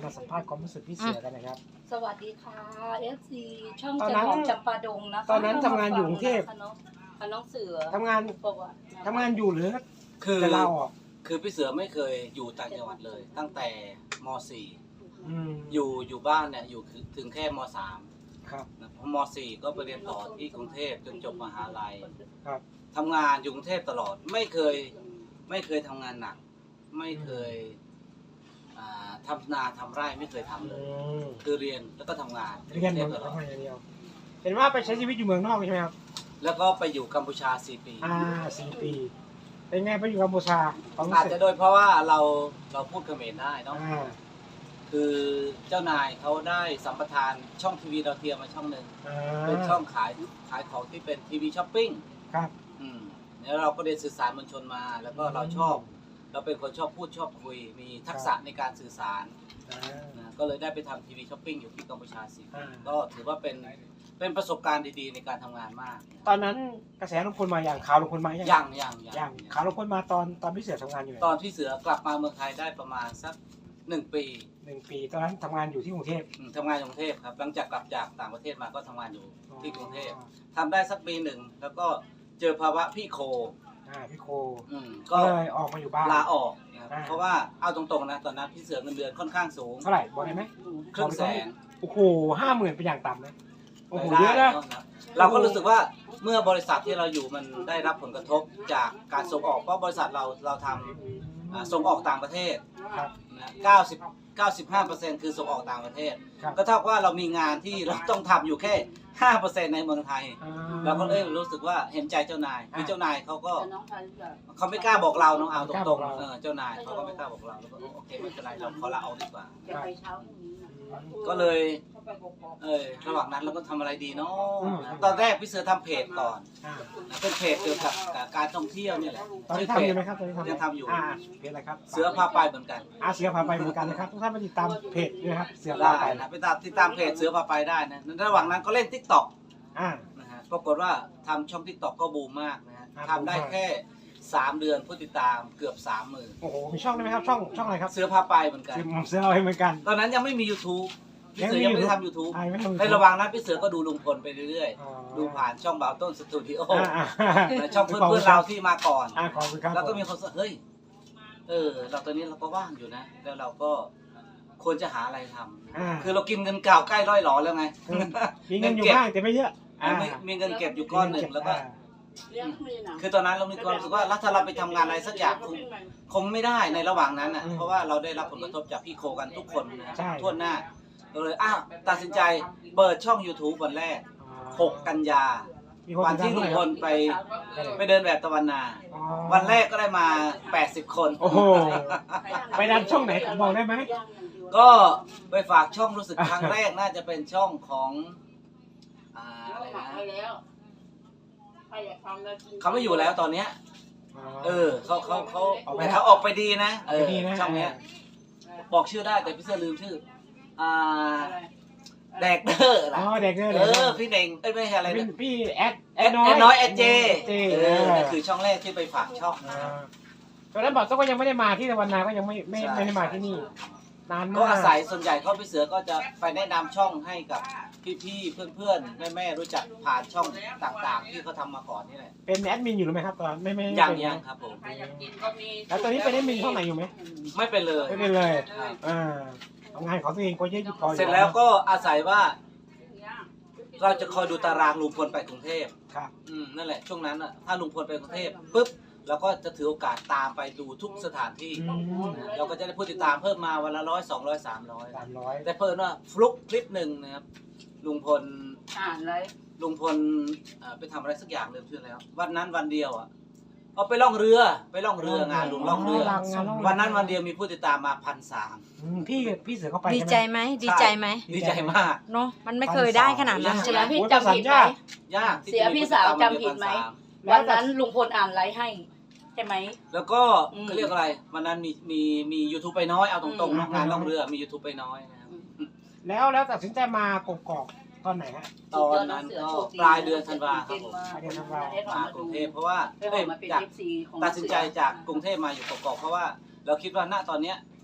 มาสัมภาษณ์ความรู้สึกพี่เสือกันนะครับสวัสดีค่ะ FC ช่องตอนจันนั้นหอมจำปาดงนะคะตอนนั้นทำงานอยู่กรุงเทพน้องเสือทำงานบอกว่าทำงานอยู่หรือคือจะเล่าอ่ะคือพี่เสือไม่เคยอยู่ต่างจังหวัดเลย ตั้งแต่มม .4 อยู่บ้านเนี่ยอยู่ถึงแค่มครับ .3 นะพอม .4 ก็ไปเรียนต่อที่กรุงเทพจนจบมหาลัยครับทำงานอยู่กรุงเทพตลอดไม่เคยทำงานหนัก ไม่เคยทำนาทำไร่ไม่เคยทำเลอืยมคือเรียนแล้วก็ทำงานเรียนเหมือนตลอดทำงานอย่างเดียวเห็นว่าไปใช้ชีวิตอยู่เมืองนอกใช่ไหมครับแล้วก็ไปอยู่กัมพูชา4 ปี 4 ปีเป็นไงไปอยู่กัมพูชาความรู้อาจสึกจะโดยเพราะว่าเราพูดเขมรได้เนาะอ่าคือเจ้านายเขาได้สัมปทานช่องทีวีดาวเทียมมาช่องหนึ่งอ่าเป็นช่องขายของที่เป็นทีวีช้อปปิ้งครับแล้วเราก็เรียนสื่อสารมวลชนมา แล้วก็เราเป็นคนชอบพูดชอบคุย มีทักษะในการสื่อสารอ่านะก็เลยได้ไปทำทีวีช้อปปิ้งอยู่ที่กัมพูชา4 ปีอ่าก็ถือว่าเป็นประสบการณ์ดีๆในการทำงานมากตอนนั้นกระแสลุงพลมาอย่างข่าวลุงพลมายังข่าวลุงพลมาตอนพี่เสือทำงานอยู่ไหนตอนที่เสือกลับมาเมืองไทยได้ประมาณสัก1 ปี 1 ปีตอนนั้นทำงานอยู่ที่กรุงเทพทำงานอยู่กรุงเทพครับหลังจากกลับจากต่างประเทศมาก็ทำงานอยู่ที่กรุงเทพทำได้สักปีหนึ่งแล้วก็เจอภาวะพี่โคพี่โคก็ก็เลยออกมาอยู่บ้านลาออกนะครับอ่าเพราะว่าเอาตรงๆนะตอนนั้นพี่เสือเงินเดือนค่อนข้างสูงเท่าไหร่บอกได้ไหม 100,000 โอ้โห50,000เป็นอย่างต่ำนะโอ้โหรายเยอะได้นะนะครับเราก็รู้สึกว่าเมื่อบริษัทที่เราอยู่มันได้รับผลกระทบจากการส่งออกเพราะบริษัทเราทำส่งออกต่างประเทศครับนะ95%คือส่งออกต่างประเทศครับก็เท่ากับว่าเรามีงานที่เราต้องทำอยู่แค่ 5% ในเมืองไทย เราก็เลยรู้สึกว่าเห็นใจเจ้านายคือเจ้านายเขาก็เขาไม่กล้าบอกเราเนาะเอาตรงๆเจ้านายเขาก็ไม่กล้าบอกเราแล้วก็โอเคไม่เป็นไรเราขอลาออกดีกว่า ก็เลยระหว่างนั้นเราก็ทำอะไรดีเนาะตอนแรกพี่เสือทำเพจก่อนอ่าเป็นเพจเกี่ยวกับการท่องเที่ยวนี่แหละตอนนี้ชื่อเพทำอจยู่ไหมครับตอนนี้ทำยังทำอยู่เพจอะไรครับเสือพาไปเหมือนกันเสือพาไปเหมือนกันนะครับทุกท่านมาติดตามเพจด้วยนะครับเสือพาได้ไปนะไปติดตามเพจเสือพาไปได้นะระหว่างนั้นก็เล่น TikTok อ่านะฮะปรากฏว่าทำช่อง TikTok ก็บูมมากนะฮะครับทำได้แค่3 เดือนผู้ติดตามเกือบ 30,000 โอ้โหมีช่องได้ไหมครับช่องอะไรครับเสือพาไปเหมือนกันเสือเอาให้เหมือนกันตอนนั้นยังไม่มี YouTube พี่เสือยังไม่ได้ทำ YouTube ไม่ทำในระหว่างนั้นพี่เสือก็ดูลุงพลไปเรื่อยอ๋อๆ ดูผ่านช่องบ่าวต้นสตูดิโออ่าและช่องเพื่อนๆเราที่มาก่อนขอบคุณครับแล้วก็มีคนบอกเฮ้ยเราตอนนี้เราก็ว่างอยู่นะ แล้วเราก็ควรจะหาอะไรทำคือเรากินเงินเก่าใกล้ร้อยหลอแล้วไงมีเงินอยู่บ้างแต่ไม่เยอะมีเงินเก็บอยู่ก้อนหนึ่งแล้วก็คือตอนนั้นเรามีความรู้สึกว่าถ้าเราไปทำงานอะไรสักอย่างคงไม่ได้ในระหว่างนั้นอ่ะเพราะว่าเราได้รับผลกระทบจากพี่โคกันทุกคนนะทั่วหน้าเราเลยตัดสินใจเปิดช่อง YouTube วันแรก 6 กันยาวันที่ลุงพลไปเดินแบบตะวันนา วันแรกก็ได้มา80 คนโอ้โหไปดันช่องไหนบอกได้ไหมก็ไปฝากช่องรู้สึกครั้งแรกน่าจะเป็นช่องของอะไรนะเขาไม่อยู่แล้วตอนเนี้ยเขาออกไปดีนะช่องเนี้ยบอกชื่อได้แต่พี่เสื้อลืมชื่อแดกเดอร์ล่ะเด็กเนี่ยพี่เน่งไม่ใช่อะไรนะพี่แอดน้อยแอดเจนั่นคือช่องแรกที่ไปฝากช่องตอนนั้นบอกก็ยังไม่ได้มาที่ตะวันนาก็ยังไม่ได้มาที่นี่นานมากก็อาศัยส่วนใหญ่เขาพี่เสือก็จะไปแนะนำช่องให้กับพี่ๆเพื่อนๆแม่ๆรู้จักผ่านช่องต่างๆ ที่เขาทำมาก่อนนี่แหละเป็นแอดมินอยู่หรือไม่ครับตอนไม่ยังครับผมแล้วตอนนี้เป็นแอดมินช่องไหนอยู่ไหมไม่เป็นเลยไม่เป็นเลยทำงานของตัวเองก็เยอะอยู่พอเสร็จแล้วก็อาศัยว่า เราจะคอยดูตารางลุงพลไปกรุงเทพครับนั่นแหละช่วงนั้นอ่ะถ้าลุงพลไปกรุงเทพปุ๊บเราก็จะถือโอกาสตามไปดูทุกสถานที่เราก็จะได้ผู้ติดตามเพิ่มมาวันละ100 200 300แต่เพิ่มว่าฟลุกคลิปหนึ่งนะครับลุงพลไปทำอะไรสักอย่างลืมชื่อแล้ววันนั้นวันเดียวอ่ะเอาไปล่องเรืองานลุงล่องเรือวันนั้นวันเดียวมีผู้ติดตามมา1,300 พี่เสือเข้าไปดีใจไหมดีใจไหมดีใจมากเนาะมันไม่เคยได้ขนาดนั้นใช่ไหมพี่จำผิดไหมยากที่เสียจะมีพี่ผู้ติสาวตมจำผิดไหม วันนั้นลุงพลอ่านไลฟ์ให้ใช่ไหมแล้วก็เขาเรียกอะไรวันนั้นมียูทูบไปน้อยเอาตรงๆนะงานล่องเรือมียูทูบไปน้อยนะครับแล้วตัดสินใจมากกอกตอนไหนฮะตอนนั้นก็ปลายเดือนธันวาครับผมปลายเดือนธันวามากรุงเทพเพราะว่ามาเป็นจาก FC ของตัดสินใจจากกรุงเทพมาอยู่กอกๆเพราะว่าเราคิดว่าณตอนเนี้ย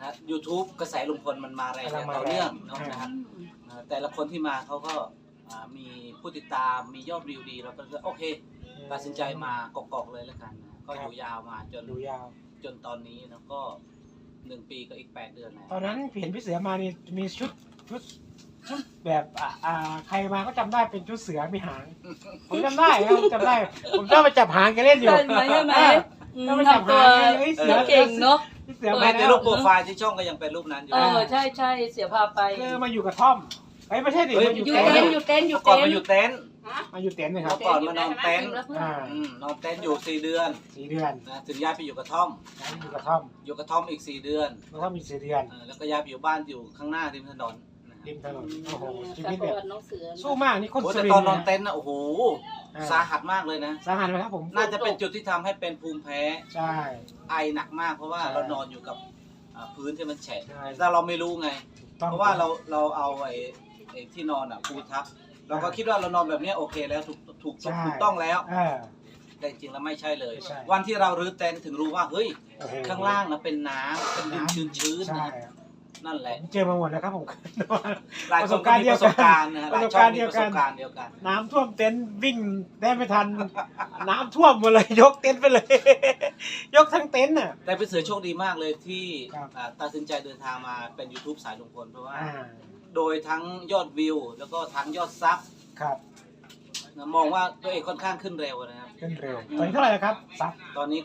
นะ YouTube กระแสลุงพลมันมาแรงอย่างต่อเนื่องเนาะนะครับแต่ละคนที่มาเขาก็มีผู้ติดตามมียอดวิวดีเราก็โอเคตัดสินใจมากอกๆเลยแล้วกันนะก็อยู่ยาวมาจนตอนนี้แล้วก็1 ปีก็อีก8 เดือนแล้วตอนนั้นเห็นพี่เสือมานี่มีชุดแบบใครมาก็จำได้เป็นชุดเสือมีหางผมจำได้ครับจำได้ผมชอบไปจับหางแกเล่นอยู่ใช่ไหมใช่ไหมก็ไปจับทำตัวหางเฮ้ยเสือเก่งเนาะพี่เสือมาแม้แต่แล้วรูปโปรไฟล์ที่ช่องก็ยังเป็นรูปนั้นอยู่ใช่ใช่เสียพาไปคือมาอยู่กับท่อมไม่ใช่ดิเฮ้ยมาอยู่อยู่เต็นเต็นท์อยู่เต็นอยู่ก่อนเต็นมาอยู่เต็นท์มาอยู่เต็นท์นะครัเมื่บอก่อนมานอนเต็นท์อ่านอนเต็นท์อยู่4 เดือน 4 เดือนนะถึงย้ายไปอยู่กระท่อมอยู่กับท่อมอยู่กระท่อมอีก4 เดือนแล้วก็มี4 เดือนแล้วก็ย้ายไปอยู่บ้านอยู่ข้างหน้าริมถนนนะริมถนนโอ้โหชีกับวิตปแบบระวัติน้องเสือสู้มากนี่คนโอ้สุแต่ริตนอนทร์นอนนะเต็นท์นะโอ้โหสาหัสมากเลยนะสาหัสไหมครับผมน่าจะเป็นจุดที่ทำให้เป็นภูมิแพ้ใช่ไอหนักมากเพราะว่าใช่เรานอนอยู่กับพื้นที่มันแฉะใช่แต่เราไม่รู้ไงต้องเพราะว่าเราเอาไอ้ที่นอนปูทับเราก็คิดว่าเรานอนแบบนี้โอเคแล้วถูกต้องแล้ว แต่จริงแล้วไม่ใช่เลยไม่ใช่วันที่เรารื้อเต็นท์ถึงรู้ว่าเฮ้ยโอ้โหข้างล่างนะเป็นน้ำเป็นดินชื้นๆใช่นะนั่นแหละผมเจอมาหมดแล้วครับผมหลายประคสนบก็การณ์มีเดีปยวระกันสบการณ์นะหลายช่องมีประสบการณ์เดียวกันน้ำท่วมเต็นท์วิ่งได้ไม่ทัน น้ำท่วมหมดเลยยกเต็นท์ไปเลย ยกทั้งเต็นท์น่ะแต่เป็นเสือโชคดีมากเลยที่ครับตัดสินใจเดินทางมาเป็น YouTube สายลุงพลเพราะว่าอ่าโดยทั้งยอดวิว แล้วก็ทั้งยอดซับครับนะมองว่าตัวเองค่อนข้างขึ้นเร็วนะครับขึ้นเร็วตอนนี้เท่าไหร่แล้วครับซับตอนนี้ก็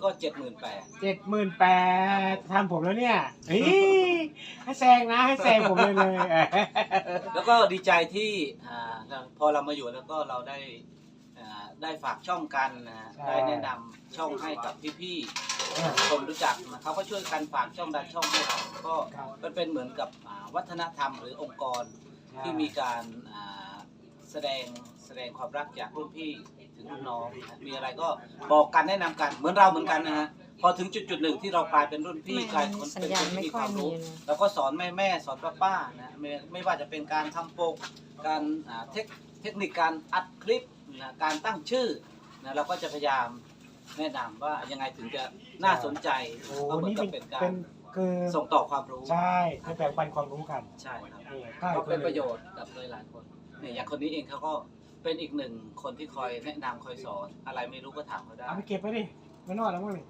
78,000ทันผมแล้วเนี่ยเฮ้ยให้แซงนะให้แซงผมเลย 78,000แล้วก็ดีใจที่พอเรามาอยู่แล้วก็เราได้ฝากช่องกันนะได้แนะนำช่องให้กับพี่ๆคนรู้จักนะเขาก็ช่วยกันฝากช่องดันช่องให้เราก็มันเป็นเหมือนกับวัฒนธรรมหรือองค์กรที่มีการแสดงความรักจากรุ่นพี่ถึงรุ่นน้องนะมีอะไรก็บอกกันแนะนำกันเหมือนเราเหมือนกันนะฮะพอถึงจุดหนึ่งที่เรากลายเป็นรุ่นพี่กลายเป็นคนสัญเป็นญาคณนที่ไม่มีค่คอยวามมีรู้เลยแล้วก็สอนแม่สอนป้านะไม่ว่าจะเป็นการทำโปกการเทคนิคการอัดคลิปนะการตั้งชื่อนะเราก็จะพยายามแนะนำว่ายังไงถึงจะน่าสนใจโอ้ก็เหมือนนี่กับเป็เป็น นการคือส่งต่อความรู้ใช่คือแบ่งปันความรู้กันใช่ครับใช่ก็เป็นประโยชน์กับหลายๆคนเนี่ยอย่างคนนี้เองเขาก็เป็นอีกหนึ่งคนที่คอยแนะนำคอยสอนอะไรไม่รู้ก็ถามเขาได้เอาไปเก็บไปดิไม่นอนแล้วมั้งนี่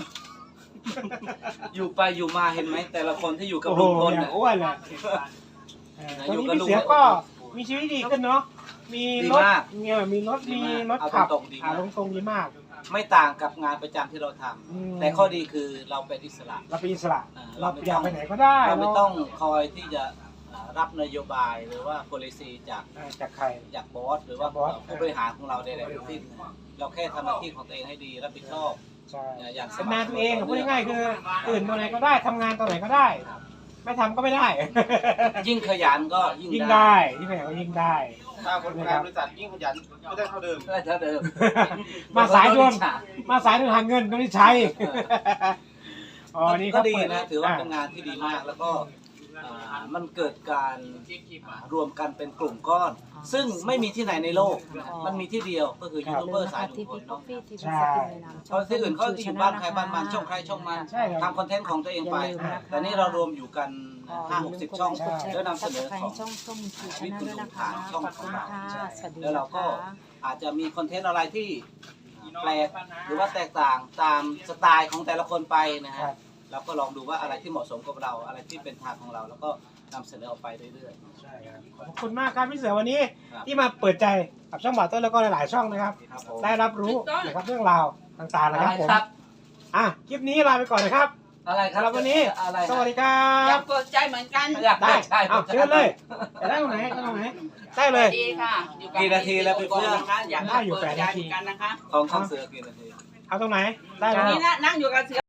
อยู่ไปอยู่มาเห็นไหมแต่ละคนที่อยู่กับโอ้โหลุงพลอย่างน่ะอ้วนแหละตอนนี้พี่เสือก็มีชีวิตดีขึ้นเนาะมีรถมีรถเอาขับตรงๆดีมากตรงดีมากไม่ต่างกับงานประจำที่เราทำอืมแต่ข้อดีคือเราเป็นอิสระเราเป็นอิสระเราเราไม่อยากต้องไปไหนก็ได้เราไม่ต้องคอยที่จะรับนโยบายหรือว่า policy จากจากใครจากบอสหรือว่าจากบอสผู้บริหารของเราใดๆทั้งสิ้นเราแค่ทำหน้าที่ของตัวเองให้ดีรับผิดชอบใช่อย่างสเป็นม่ำงานตัวเองสม่ำพูดง่ายๆคือตื่นตอนไหนก็ได้ทำงานตอนไหนก็ได้ ไม่ทำก็ไม่ได้ยิ่งขยันก็ยิ่งยิ่งได้ได้ยิ่งไหนก็ยิ่งได้ถ้าคนงานบริษัทยิ่งขยันก็ได้เท่าเดิมได้เท่าเดิมมาสายด่วนมาสายด่วนหาเงินก็ได้ใช้อ๋อนี่ก็เขาดีเปิดนะถือว่าเป็นงานที่ดีมากแล้วก็มันเกิดการรวมกันเป็นกลุ่มก้อน ซึ่งไม่มีที่ไหนในโลก มันมีที่เดียวก็คือยูทูบเบอร์สายลุงพลเนาะเพราะที่อื่นเขาจะอยู่บ้านใครบ้านมันช่องใครช่องมันใช่ครับทำคอนเทนต์ของตัวเองไปอย่าลืมนะคะแต่นี่เรารวมอยู่กัน5-60 ช่องใช่แล้วนำเสนอของช่องส้มชูชาแนลด้วยนะคะขอบคุณค่ะสวัสดีแล้วเรานะก็คะอาจจะมีคอนเทนต์อะไรที่แปลกหรือว่าแตกต่างตามสไตล์ของแต่ละคนไปนะฮะครับเราก็ลองดูว่าอะไรที่เหมาะสมกับเราอะไรที่เป็นทางของเรา แล้วก็นำเสนอออกไปเรื่อยใช่ครับขอบคุณมากครับพี่เสือวันนี้ครับที่มาเปิดใจกับช่องบ่าวต้นแล้วก็หลายๆช่องนะครับๆครับผมได้รับรู้นะครับเรื่องราวต่างๆนะครับผมครับคลิปนี้ลาไปก่อนนะครับอะไรคสำหรัรับบวันนี้อะไรสวัสดีครัอยาบกเปิดใจเหมือนกันอยากได้ใช่เอาเชิญเลยจะได้ตรงไหนได้ตรงไหนได้เลยดีค่ะอยู่กับกี่นาทีแล้วพี่เพื่อนนะคะอยากได้อยู่เปิด 8 ใจนาทีเหมือนกันนะคะของเสือกี่นาทีเอาตรงไหนได้อแล้ย่างวนี้นะนั่งอยู่กับเสือ